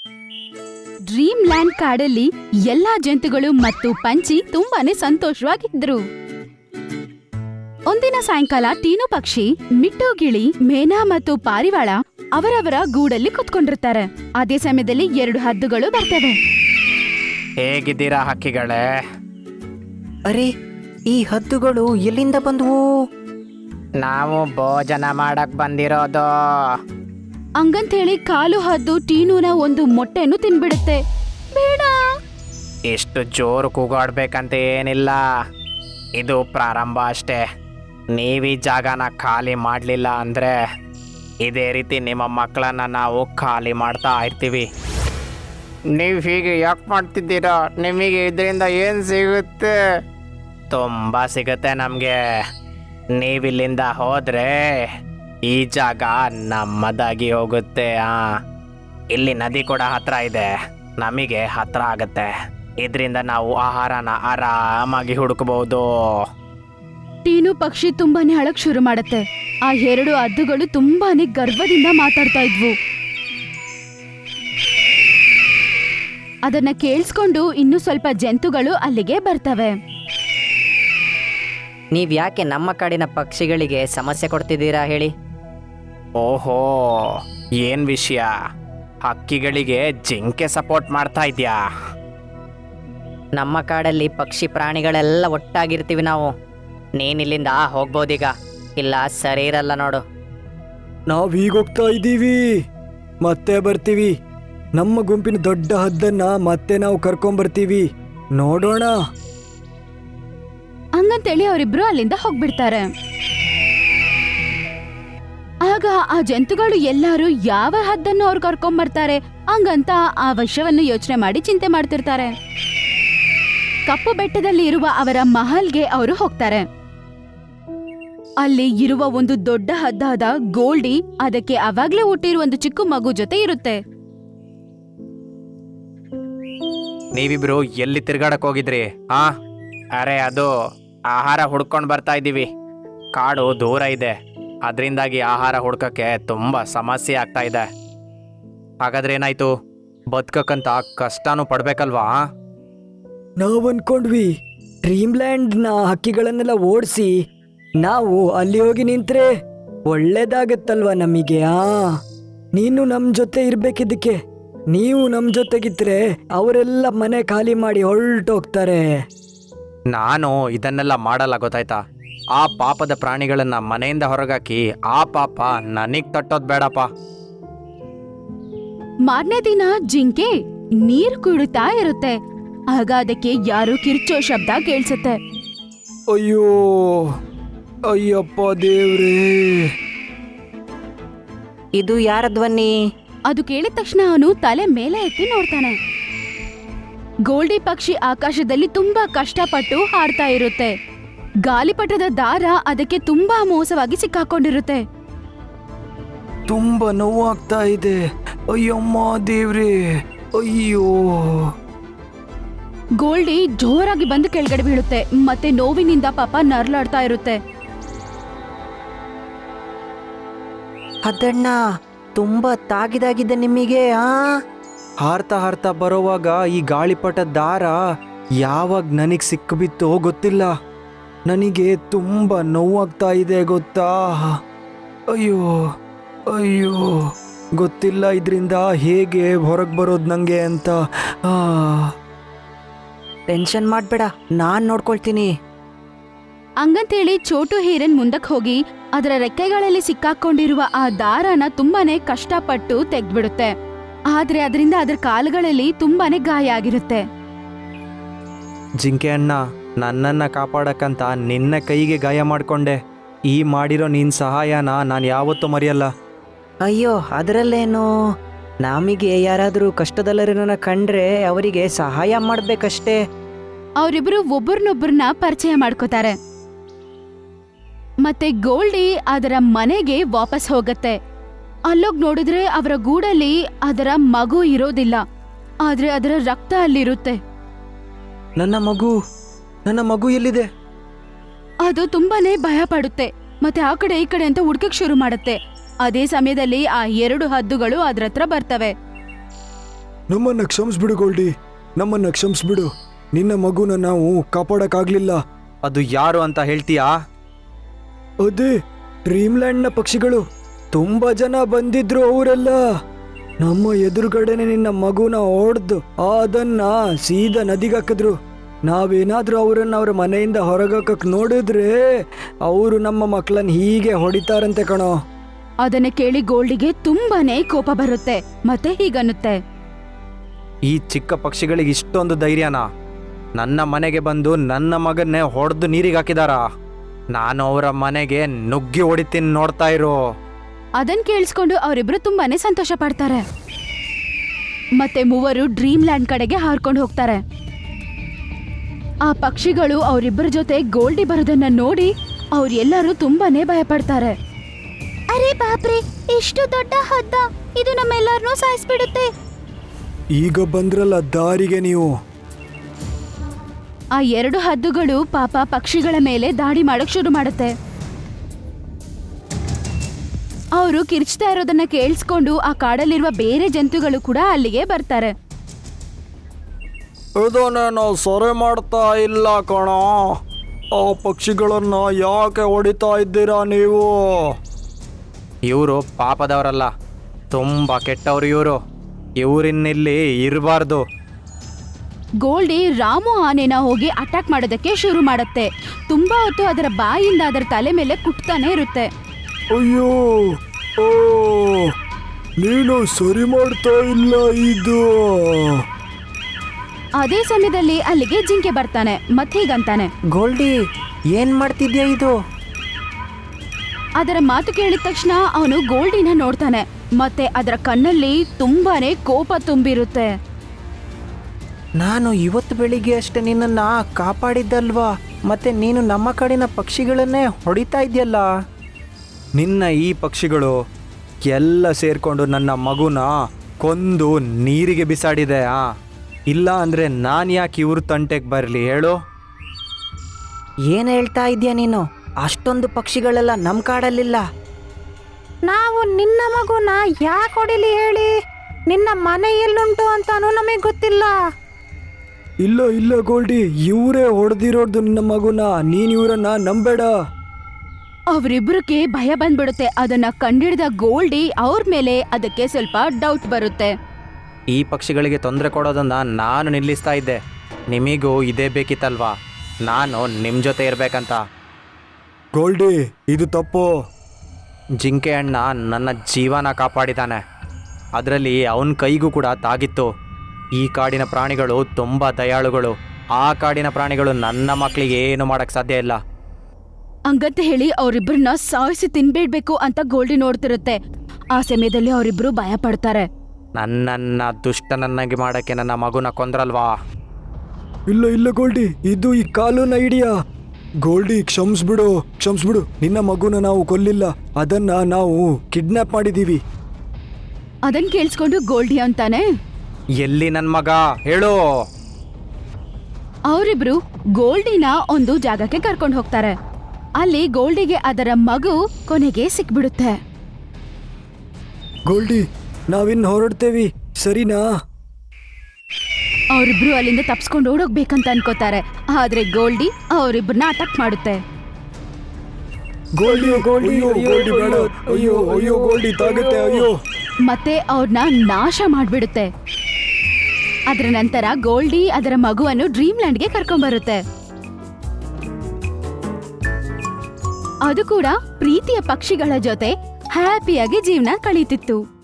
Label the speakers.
Speaker 1: Dream land ಕಾಡಲ್ಲಿ ಎಲ್ಲಾ ಜಂತುಗಳು ಮತ್ತು ಪಂಚಿ ತುಂಬಾನೇ ಸಂತೋಷವಾಗಿದ್ರು. ಒಂದಿನ ಸಾಯಂಕಾಲ ಟೀನು ಪಕ್ಷಿ, ಮಿಟ್ಟು ಗಿಳಿ, ಮೇನಾ ಮತ್ತು ಪಾರಿವಾಳ ಅವರವರ ಗೂಡಲ್ಲಿ ಕುತ್ಕೊಂಡಿರ್ತಾರೆ. ಅದೇ ಸಮಯದಲ್ಲಿ 2 ಹದ್ದುಗಳು ಬರ್ತವೆ.
Speaker 2: ಹೇಗಿದ್ದೀರಾ ಹಕ್ಕಿಗಳೇ?
Speaker 3: ಅರೆ, ಈ ಹದ್ದುಗಳು ಎಲ್ಲಿಂದ ಬಂದವು?
Speaker 2: ನಾವು ಭೋಜನ ಮಾಡಕ್ ಬಂದಿರೋದು.
Speaker 1: ಹಂಗಂತೇಳಿ ಕಾಲು ಹದ್ದು ಟೀನುನ ಒಂದು ಮೊಟ್ಟೆಯನ್ನು ತಿನ್ಬಿಡುತ್ತೆ. ಬೇಡ.
Speaker 2: ಇಷ್ಟು ಜೋರು ಕೂಗಾಡ್ಬೇಕಂತ ಏನಿಲ್ಲ, ಇದು ಪ್ರಾರಂಭ ಅಷ್ಟೇ. ನೀವೀ ಜಾಗನ ಖಾಲಿ ಮಾಡಲಿಲ್ಲ ಅಂದರೆ ಇದೇ ರೀತಿ ನಿಮ್ಮ ಮಕ್ಕಳನ್ನ ನಾವು ಖಾಲಿ ಮಾಡ್ತಾ ಇರ್ತೀವಿ. ನೀವು ಹೀಗೆ ಯಾಕೆ ಮಾಡ್ತಿದ್ದೀರಾ? ನಿಮಗೆ ಇದರಿಂದ ಏನು ಸಿಗುತ್ತೆ? ತುಂಬ ಸಿಗುತ್ತೆ ನಮಗೆ. ನೀವಿಲ್ಲಿಂದ ಹೋದರೆ ಈ ಜಾಗ ನಮ್ಮದಾಗಿ ಹೋಗುತ್ತೆ. ಇಲ್ಲಿ ನದಿ ಕೂಡ ಹತ್ರ ಇದೆ, ನಮಗೆ ಹತ್ರ ಆಗುತ್ತೆ. ಇದರಿಂದ ನಾವು ಆಹಾರನ ಆರಾಮಾಗಿ ಹುಡುಕಬಹುದು.
Speaker 1: ಟೀನು ಪಕ್ಷಿ ತುಂಬಾನೇ ಅಳಕ್ ಶುರು ಮಾಡತ್ತೆ. ಆ 2 ಹದ್ದುಗಳು ತುಂಬಾನೇ ಗರ್ವದಿಂದ ಮಾತಾಡ್ತಾ ಇದ್ವು. ಅದನ್ನ ಕೇಳಿಸ್ಕೊಂಡು ಇನ್ನು ಸ್ವಲ್ಪ ಜಂತುಗಳು ಅಲ್ಲಿಗೆ ಬರ್ತವೆ.
Speaker 3: ನೀವ್ ಯಾಕೆ ನಮ್ಮ ಕಾಡಿನ ಪಕ್ಷಿಗಳಿಗೆ ಸಮಸ್ಯೆ ಕೊಡ್ತಿದ್ದೀರಾ ಹೇಳಿ?
Speaker 2: ಓಹೋ, ಏನ್ ವಿಷಯ? ಹಕ್ಕಿಗಳಿಗೆ ಜಿಂಕೆ ಸಪೋರ್ಟ್ ಮಾಡ್ತಾ ಇದ್ಯಾ?
Speaker 3: ನಮ್ಮ ಕಾಡಲ್ಲಿ ಪಕ್ಷಿ ಪ್ರಾಣಿಗಳೆಲ್ಲ ಒಟ್ಟಾಗಿರ್ತೀವಿ ನಾವು. ನೀನಿಲ್ಲಿಂದ ಹೋಗ್ಬೋದೀಗ, ಇಲ್ಲ ಸರಿ ಇರಲ್ಲ ನೋಡು.
Speaker 4: ನಾವು ಈಗ ಹೋಗ್ತಾ ಇದ್ದೀವಿ, ಮತ್ತೆ ಬರ್ತೀವಿ. ನಮ್ಮ ಗುಂಪಿನ ದೊಡ್ಡ ಹದ್ದನ್ನ ಮತ್ತೆ ನಾವು ಕರ್ಕೊಂಬರ್ತೀವಿ, ನೋಡೋಣ.
Speaker 1: ಹಂಗಂತೇಳಿ ಅವರಿಬ್ರು ಅಲ್ಲಿಂದ ಹೋಗ್ಬಿಡ್ತಾರೆ. ಆಗ ಆ ಜಂತುಗಳು ಎಲ್ಲಾರು ಯಾವ ಹದ್ದನ್ನು ಅವ್ರು ಕರ್ಕೊಂಬರ್ತಾರೆ ಹಂಗಂತ ಆ ವಿಷಯವನ್ನು ಯೋಚನೆ ಮಾಡಿ ಚಿಂತೆ ಮಾಡ್ತಿರ್ತಾರೆ. ಕಪ್ಪು ಬೆಟ್ಟದಲ್ಲಿ ಇರುವ ಅವರ ಮಹಲ್ಗೆ ಅವರು ಹೋಗ್ತಾರೆ. ಅಲ್ಲಿ ಇರುವ ಒಂದು ದೊಡ್ಡ ಹದ್ದಾದ ಗೋಲ್ಡಿ ಅದಕ್ಕೆ ಅವಾಗ್ಲೇ ಹುಟ್ಟಿರುವ ಒಂದು ಚಿಕ್ಕ ಮಗು ಜೊತೆ ಇರುತ್ತೆ.
Speaker 2: ನೀವಿಬ್ರು ಎಲ್ಲಿ ತಿರ್ಗಾಡಕ್ ಹೋಗಿದ್ರಿ? ಅರೆ, ಅದು ಆಹಾರ ಹುಡ್ಕೊಂಡು ಬರ್ತಾ ಇದ್ದೀವಿ. ಕಾಡು ದೂರ ಇದೆ, ಅದರಿಂದಾಗಿ ಆಹಾರ ಹುಡ್ಕಕ್ಕೆ ತುಂಬ ಸಮಸ್ಯೆ ಆಗ್ತಾ ಇದೆ. ಹಾಗಾದ್ರೆ ಏನಾಯ್ತು? ಬದುಕಕ್ಕಂತ ಕಷ್ಟನೂ ಪಡ್ಬೇಕಲ್ವಾ?
Speaker 4: ನಾವು ಅನ್ಕೊಂಡ್ವಿ ಡ್ರೀಮ್ಲ್ಯಾಂಡ್ನ ಹಕ್ಕಿಗಳನ್ನೆಲ್ಲ ಓಡಿಸಿ ನಾವು ಅಲ್ಲಿ ಹೋಗಿ ನಿಂತ್ರೆ ಒಳ್ಳೇದಾಗತ್ತಲ್ವಾ ನಮಗೆ. ನೀನು ನಮ್ಮ ಜೊತೆ ಇರ್ಬೇಕಿದ್ದಕ್ಕೆ. ನೀವು ನಮ್ಮ ಜೊತೆಗಿದ್ರೆ ಅವರೆಲ್ಲ ಮನೆ ಖಾಲಿ ಮಾಡಿ ಹೊರಟೋಗ್ತಾರೆ.
Speaker 2: ನಾನು ಇದನ್ನೆಲ್ಲ ಮಾಡಲ್ಲ, ಗೊತ್ತಾಯ್ತಾ? ಆ ಪಾಪದ ಪ್ರಾಣಿಗಳನ್ನ ಮನೆಯಿಂದ ಹೊರಗಾಕಿ ಆ ಪಾಪ ನನಗ್ ತಟ್ಟೋದ್ ಬೇಡಪ್ಪ.
Speaker 1: ಮಾರನೇ ದಿನ ಜಿಂಕೆ ನೀರು ಕುಡಿತಾ ಇರುತ್ತೆ. ಆಗ ಅದಕ್ಕೆ ಯಾರು ಕಿರ್ಚೋ ಶಬ್ದ ಕೇಳಿಸುತ್ತೆ.
Speaker 4: ಅಯ್ಯೋ, ಅಯ್ಯಪ್ಪ ದೇವ್ರೇ!
Speaker 3: ಇದು ಯಾರ ಧ್ವನಿ?
Speaker 1: ಅದು ಕೇಳಿದ ತಕ್ಷಣ ಅವನು ತಲೆ ಮೇಲೆ ಎತ್ತಿ ನೋಡ್ತಾನೆ. ಗೋಲ್ಡಿ ಪಕ್ಷಿ ಆಕಾಶದಲ್ಲಿ ತುಂಬಾ ಕಷ್ಟಪಟ್ಟು ಹಾರ್ತಾ ಇರುತ್ತೆ. ಗಾಲಿಪಟದ ದಾರ ಅದಕ್ಕೆ ತುಂಬಾ ಮೋಸವಾಗಿ ಸಿಕ್ಕಾಕೊಂಡಿರುತ್ತೆ.
Speaker 4: ತುಂಬಾ ನೋವಾಗ್ತಾ ಇದೆ. ಅಯ್ಯಮ್ಮ ದೇವ್ರೇ, ಅಯ್ಯೋ!
Speaker 1: ಗೋಲ್ಡಿ ಜೋರಾಗಿ ಬಂದು ಕೆಳಗಡೆ ಬೀಳುತ್ತೆ. ಮತ್ತೆ ನೋವಿನಿಂದ ಪಾಪ ನರ್ಲಾಡ್ತಾ ಇರುತ್ತೆ.
Speaker 3: ಅದಣ್ಣ, ತುಂಬಾ ತಾಗಿದಾಗಿದೆ ನಿಮಗೆ.
Speaker 4: ಹಾರ್ತಾ ಹಾರ್ತಾ ಬರೋವಾಗ ಈ ಗಾಳಿಪಟ ದಾರ ಯಾವಾಗ ನನಗೆ ಸಿಕ್ಕಿಬಿತ್ತೋ ಗೊತ್ತಿಲ್ಲ. ನನಗೆ ತುಂಬ ನೋವಾಗ್ತಾ ಇದೆ ಗೊತ್ತಾ. ಅಯ್ಯೋ ಅಯ್ಯೋ, ಗೊತ್ತಿಲ್ಲ ಇದರಿಂದ ಹೇಗೆ ಹೊರಗೆ ಬರೋದು ನನಗೆ ಅಂತ.
Speaker 3: ಟೆನ್ಷನ್ ಮಾಡಬೇಡ, ನಾನು ನೋಡ್ಕೊಳ್ತೀನಿ.
Speaker 1: ಹಂಗಂತೇಳಿ ಚೋಟು ಹೀರನ್ ಮುಂದಕ್ಕೆ ಹೋಗಿ ಅದರ ರೆಕ್ಕೆಗಳಲ್ಲಿ ಸಿಕ್ಕಾಕೊಂಡಿರುವ ಆ ದಾರನ ತುಂಬಾನೇ ಕಷ್ಟಪಟ್ಟು ತೆಗ್ದ್ಬಿಡುತ್ತೆ. ಆದ್ರೆ ಅದರಿಂದ ಅದರ ಕಾಲುಗಳಲ್ಲಿ ತುಂಬಾನೇ ಗಾಯ ಆಗಿರುತ್ತೆ.
Speaker 4: ಜಿಂಕೆ ಅಣ್ಣ, ನನ್ನನ್ನ ಕಾಪಾಡಕ್ಕಂತ ನಿನ್ನ ಕೈಗೆ ಗಾಯ ಮಾಡಿಕೊಂಡೆ. ಈ ಮಾಡಿರೋ ನಿನ್ನ ಸಹಾಯನ ನಾನು ಯಾವತ್ತೂ ಮರೆಯಲ್ಲ.
Speaker 3: ಅಯ್ಯೋ, ಅದರಲ್ಲೇನು? ನಮಗೆ ಯಾರಾದರೂ ಕಷ್ಟದಲ್ಲರನ್ನ ಕಂಡ್ರೆ ಅವರಿಗೆ ಸಹಾಯ ಮಾಡ್ಬೇಕಷ್ಟೇ.
Speaker 1: ಅವರಿಬ್ರು ಒಬ್ಬರನ್ನೊಬ್ಬರನ್ನ ಪರಿಚಯ ಮಾಡ್ಕೋತಾರೆ. ಮತ್ತೆ ಗೋಲ್ಡಿ ಅದರ ಮನೆಗೆ ವಾಪಸ್ ಹೋಗತ್ತೆ. ಅಲ್ಲೋಗ್ ನೋಡಿದ್ರೆ ಅವರ ಗೂಡಲ್ಲಿ ಅದರ ಮಗು ಇರೋದಿಲ್ಲ, ಆದ್ರೆ ಅದರ ರಕ್ತ ಅಲ್ಲಿರುತ್ತೆ.
Speaker 4: ನನ್ನ ಮಗು ಎಲ್ಲಿದೆ?
Speaker 1: ಅದು ತುಂಬಾನೇ ಭಯ ಪಡುತ್ತೆ. ಮತ್ತೆ ಆ ಕಡೆ ಈ ಕಡೆ ಅಂತ ಹುಡ್ಕಕ್ ಶುರು ಮಾಡುತ್ತೆ. ಅದೇ ಸಮಯದಲ್ಲಿ ಆ 2 ಹದ್ದುಗಳು ಅದ್ರ ಹತ್ರ ಬರ್ತವೆ.
Speaker 4: ನಮ್ಮನ್ನ ಕ್ಷಮಿಸ್ಬಿಡು ಗೋಲ್ಡಿ, ನಮ್ಮನ್ನ ಕ್ಷಮಿಸ್ಬಿಡು. ನಿನ್ನ ಮಗುನ ನಾವು ಕಾಪಾಡಕ್ಕಾಗ್ಲಿಲ್ಲ.
Speaker 2: ಅದು ಯಾರು ಅಂತ ಹೇಳ್ತೀಯಾ?
Speaker 4: ಅದೇ ಡ್ರೀಮ್ಲ್ಯಾಂಡ್ನ ಪಕ್ಷಿಗಳು. ತುಂಬಾ ಜನ ಬಂದಿದ್ರು. ಅವರೆಲ್ಲ ನಮ್ಮ ಎದುರುಗಡೆನೆ ನಿನ್ನ ಮಗುನ ಹೊಡೆದು ಅದನ್ನ ಸೀದಾ ನದಿಗೆ ಹಾಕಿದ್ರು. ನಾವೇನಾದ್ರೂ ಅವರನ್ನ ಅವ್ರ ಮನೆಯಿಂದ ಹೊರಗಾಕಕ್ ನೋಡಿದ್ರೆ ಅವರು ನಮ್ಮ ಮಕ್ಕಳನ್ನ ಹೀಗೆ ಹೊಡಿತಾರಂತೆ ಕಣೋ.
Speaker 1: ಅದನ್ನ ಕೇಳಿ ಗೋಲ್ಡಿಗೆ ತುಂಬಾನೇ ಕೋಪ ಬರುತ್ತೆ ಮತ್ತೆ ಹೀಗನ್ನುತ್ತೆ.
Speaker 2: ಈ ಚಿಕ್ಕ ಪಕ್ಷಿಗಳಿಗೆ ಇಷ್ಟೊಂದು ಧೈರ್ಯನಾ? ನನ್ನ ಮನೆಗೆ ಬಂದು ನನ್ನ ಮಗನ್ನೇ ಹೊಡೆದು ನೀರಿಗೆ ಹಾಕಿದಾರಾ? ನಾನು ಅವರ ಮನೆಗೆ ನುಗ್ಗಿ ಹೊಡಿತೀನಿ, ನೋಡ್ತಾ ಇರು.
Speaker 1: ಅದನ್ ಕೇಳಿಸ್ಕೊಂಡು ಅವರಿಬ್ರು ತುಂಬಾನೇ ಸಂತೋಷ ಪಡ್ತಾರೆ. ಮತ್ತೆ ಮೂವರು ಡ್ರೀಮ್ ಲ್ಯಾಂಡ್ ಕಡೆಗೆ ಹಾರ್ಕೊಂಡು ಹೋಗ್ತಾರೆ. ಆ ಪಕ್ಷಿಗಳು ಅವರಿಬ್ಬರ ಜೊತೆ ಗೋಲ್ಡಿ ಬರೋದನ್ನ ನೋಡಿ ಅವ್ರೆಲ್ಲರೂ ತುಂಬಾನೇ ಭಯ ಪಡ್ತಾರೆ. ಅರೆ ಬಾಪ್ರೆ, ಎಷ್ಟು ದೊಡ್ಡ ಹದ್ದ, ಇದು ನಮ್ಮೆಲ್ಲರನ್ನೂ ಸಾಯಿಸ್ಬಿಡುತ್ತೆ.
Speaker 4: ಈಗ ಬಂದ್ರಲ್ಲ ದಾರಿಗೆ ನೀವು.
Speaker 1: ಆ ಎರಡು ಹದ್ದುಗಳು ಪಾಪ ಪಕ್ಷಿಗಳ ಮೇಲೆ ದಾಳಿ ಮಾಡಕ್ ಶುರು ಮಾಡುತ್ತೆ. ಅವರು ಕಿರ್ಚ್ತಾ ಇರೋದನ್ನ ಕೇಳಿಸ್ಕೊಂಡು ಆ ಕಾಡಲ್ಲಿರುವ ಬೇರೆ ಜಂತುಗಳು ಕೂಡ ಅಲ್ಲಿಗೆ ಬರ್ತಾರೆ.
Speaker 4: ಇದನ್ನ ನಾವು ಸೊರೆ ಮಾಡ್ತಾ ಇಲ್ಲ ಕಣೋ. ಆ ಪಕ್ಷಿಗಳನ್ನ ಯಾಕೆ ಹೊಡಿತಾ ಇದ್ದೀರಾ ನೀವು?
Speaker 2: ಇವರು ಪಾಪದವರಲ್ಲ, ತುಂಬ ಕೆಟ್ಟವರು ಇವರು. ಇವರಿನ್ನಿಲ್ಲಿ ಇರಬಾರ್ದು.
Speaker 1: ಗೋಲ್ಡಿ ರಾಮು ಆನೆನ ಹೋಗಿ ಅಟ್ಯಾಕ್ ಮಾಡೋದಕ್ಕೆ ಶುರು ಮಾಡುತ್ತೆ. ತುಂಬಾ ಹೊತ್ತು ಅದರ ಬಾಯಿಂದ ಅದರ ತಲೆ ಮೇಲೆ ಕುಟ್ತಾನೆ ಇರುತ್ತೆ.
Speaker 4: ಅಯ್ಯೋ, ಓ, ನೀನು ಸರಿ ಮಾಡ್ತಾ ಇಲ್ಲ ಇದು.
Speaker 1: ಅದೇ ಸಮಯದಲ್ಲಿ ಅಲ್ಲಿಗೆ ಜಿಂಕೆ ಬರ್ತಾನೆ ಮತ್ತೆ ಹೀಗಂತಾನೆ,
Speaker 3: ಗೋಲ್ಡಿ, ಏನ್ ಮಾಡ್ತಿದ್ಯಾ ಇದು?
Speaker 1: ಅದರ ಮಾತು ಕೇಳಿದ ತಕ್ಷಣ ಅವನು ಗೋಲ್ಡಿನ ನೋಡ್ತಾನೆ. ಮತ್ತೆ ಅದರ ಕಣ್ಣಲ್ಲಿ ತುಂಬಾನೇ ಕೋಪ ತುಂಬಿರುತ್ತೆ.
Speaker 3: ನಾನು ಇವತ್ತು ಬೆಳಿಗ್ಗೆ ಅಷ್ಟೇ ನಿನ್ನನ್ನ ಕಾಪಾಡಿದ್ದಲ್ವಾ, ಮತ್ತೆ ನೀನು ನಮ್ಮ ಕಡೆನ ಪಕ್ಷಿಗಳನ್ನೇ ಹೊಡಿತಾ ಇದೆಯಲ್ಲ.
Speaker 2: ನಿನ್ನ ಈ ಪಕ್ಷಿಗಳು ಎಲ್ಲ ಸೇರ್ಕೊಂಡು ನನ್ನ ಮಗುನ ಕೊಂದು ನೀರಿಗೆ ಬಿಸಾಡಿದೆ. ಇಲ್ಲ ಅಂದರೆ ನಾನು ಯಾಕೆ ಇವ್ರ ತಂಟೆಗೆ ಬರಲಿ ಹೇಳು?
Speaker 3: ಏನು ಹೇಳ್ತಾ ಇದೆಯಾ ನೀನು? ಅಷ್ಟೊಂದು ಪಕ್ಷಿಗಳೆಲ್ಲ ನಮ್ಮ ಕಾಡಲ್ಲಿಲ್ಲ. ನಾವು ನಿನ್ನ ಮಗುನ ಯಾಕೆ ಹೊಡಿಲಿ ಹೇಳಿ? ನಿನ್ನ ಮನೆ ಎಲ್ಲುಂಟು ಅಂತಾನೂ ನಮಗೆ ಗೊತ್ತಿಲ್ಲ.
Speaker 4: ಇಲ್ಲ ಇಲ್ಲ ಗೋಲ್ಡಿ, ಇವರೇ ಹೊಡೆದಿರೋದು ನಿನ್ನ ಮಗುನ. ನೀನ್ ಇವರನ್ನ ನಂಬೇಡ.
Speaker 1: ಅವರಿಬ್ಬರಿಗೆ ಭಯ ಬಂದ್ಬಿಡುತ್ತೆ. ಅದನ್ನ ಕಂಡಿಡಿದ ಗೋಲ್ಡಿ ಅವ್ರ ಮೇಲೆ ಅದಕ್ಕೆ ಸ್ವಲ್ಪ ಡೌಟ್ ಬರುತ್ತೆ.
Speaker 2: ಈ ಪಕ್ಷಿಗಳಿಗೆ ತೊಂದರೆ ಕೊಡೋದನ್ನ ನಾನು ನಿಲ್ಲಿಸ್ತಾ ಇದ್ದೆ. ನಿಮಗೂ ಇದೇ ಬೇಕಿತ್ತಲ್ವಾ, ನಾನು ನಿಮ್ಮ ಜೊತೆ ಇರಬೇಕಂತ.
Speaker 4: ಗೋಲ್ಡಿ, ಇದು ತಪ್ಪು.
Speaker 2: ಜಿಂಕೆ ಅಣ್ಣ ನನ್ನ ಜೀವನ ಕಾಪಾಡಿದ್ದಾನೆ. ಅದರಲ್ಲಿ ಅವನ ಕೈಗೂ ಕೂಡ ತಾಗಿತ್ತು. ಈ ಕಾಡಿನ ಪ್ರಾಣಿಗಳು ತುಂಬ ದಯಾಳುಗಳು. ಆ ಕಾಡಿನ ಪ್ರಾಣಿಗಳು ನನ್ನ ಮಕ್ಕಳಿಗೆ ಏನು ಮಾಡೋಕ್ಕೆ ಸಾಧ್ಯ ಇಲ್ಲ.
Speaker 1: ಹಂಗಂತ ಹೇಳಿ ಅವರಿಬ್ಬರನ್ನ ಸಾಯಿಸಿ ತಿನ್ಬೇಡ್ಬೇಕು ಅಂತ ಗೋಲ್ಡಿ ನೋಡ್ತಿರುತ್ತೆ. ಆ ಸಮಯದಲ್ಲಿ ಅವರಿಬ್ರು ಭಯ ಪಡ್ತಾರೆ.
Speaker 2: ನನ್ನನ್ನು ದುಷ್ಟನನ್ನಾಗಿ ಮಾಡೋಕ್ಕೆ ನನ್ನ ಮಗುನ ಕೊಂದ್ರಲ್ವಾ?
Speaker 4: ಇಲ್ಲ ಇಲ್ಲ ಗೋಲ್ಡಿ, ಇದು ಈ ಕಾಲುನ ಐಡಿಯಾ. ಗೋಲ್ಡಿ, ಕ್ಷಮಿಸ್ಬಿಡು, ಕ್ಷಮಿಸ್ಬಿಡು. ನಿನ್ನ ಮಗುನ ನಾವು ಕೊಲ್ಲಿಲ್ಲ, ಅದನ್ನ ನಾವು ಕಿಡ್ನಾಪ್ ಮಾಡಿದೀವಿ.
Speaker 1: ಅದನ್ ಕೇಳಿಸ್ಕೊಂಡು ಗೋಲ್ಡಿ ಅಂತಾನೆ,
Speaker 2: ಎಲ್ಲಿ ನನ್ನ ಮಗ ಹೇಳು?
Speaker 1: ಅವರಿಬ್ರು ಗೋಲ್ಡಿನ ಒಂದು ಜಾಗಕ್ಕೆ ಕರ್ಕೊಂಡು ಹೋಗ್ತಾರೆ. ಅಲ್ಲಿ ಗೋಲ್ಡಿಗೆ ಅದರ ಮಗು ಕೊನೆಗೆ ಸಿಕ್ಬಿಡುತ್ತೆ.
Speaker 4: ಗೋಲ್ಡಿ, ನಾವಿನ್ ಹೊರಡ್ತೇವಿ, ಸರಿನಾ?
Speaker 1: ಅವರಿಬ್ರು ಅಲ್ಲಿಂದ ತಪ್ಸ್ಕೊಂಡು ಓಡೋಗ್ಬೇಕಂತ ಅನ್ಕೋತಾರೆ. ಆದ್ರೆ ಗೋಲ್ಡಿ ಅವರಿಬ್ಬರನ್ನ ಅಟ್ಯಾಕ್ ಮಾಡುತ್ತೆ.
Speaker 4: ಗೋಲ್ಡಿ, ಗೋಲ್ಡಿ, ಅಯ್ಯೋ, ಗೋಲ್ಡಿ ಬೇಡ. ಅಯ್ಯೋ ಅಯ್ಯೋ, ಗೋಲ್ಡಿ ತಾಗುತ್ತೆ. ಅಯ್ಯೋ.
Speaker 1: ಮತ್ತೆ ಅವ್ರನ್ನ ನಾಶ ಮಾಡ್ಬಿಡುತ್ತೆ. ಅದರ ನಂತರ ಗೋಲ್ಡಿ ಅದರ ಮಗುವನ್ನು ಡ್ರೀಮ್ ಲ್ಯಾಂಡ್ಗೆ ಕರ್ಕೊಂಡ್ಬರುತ್ತೆ. ಅದು ಕೂಡ ಪ್ರೀತಿಯ ಪಕ್ಷಿಗಳ ಜೊತೆ ಹ್ಯಾಪಿಯಾಗಿ ಜೀವನ ಕಳೀತಿತ್ತು.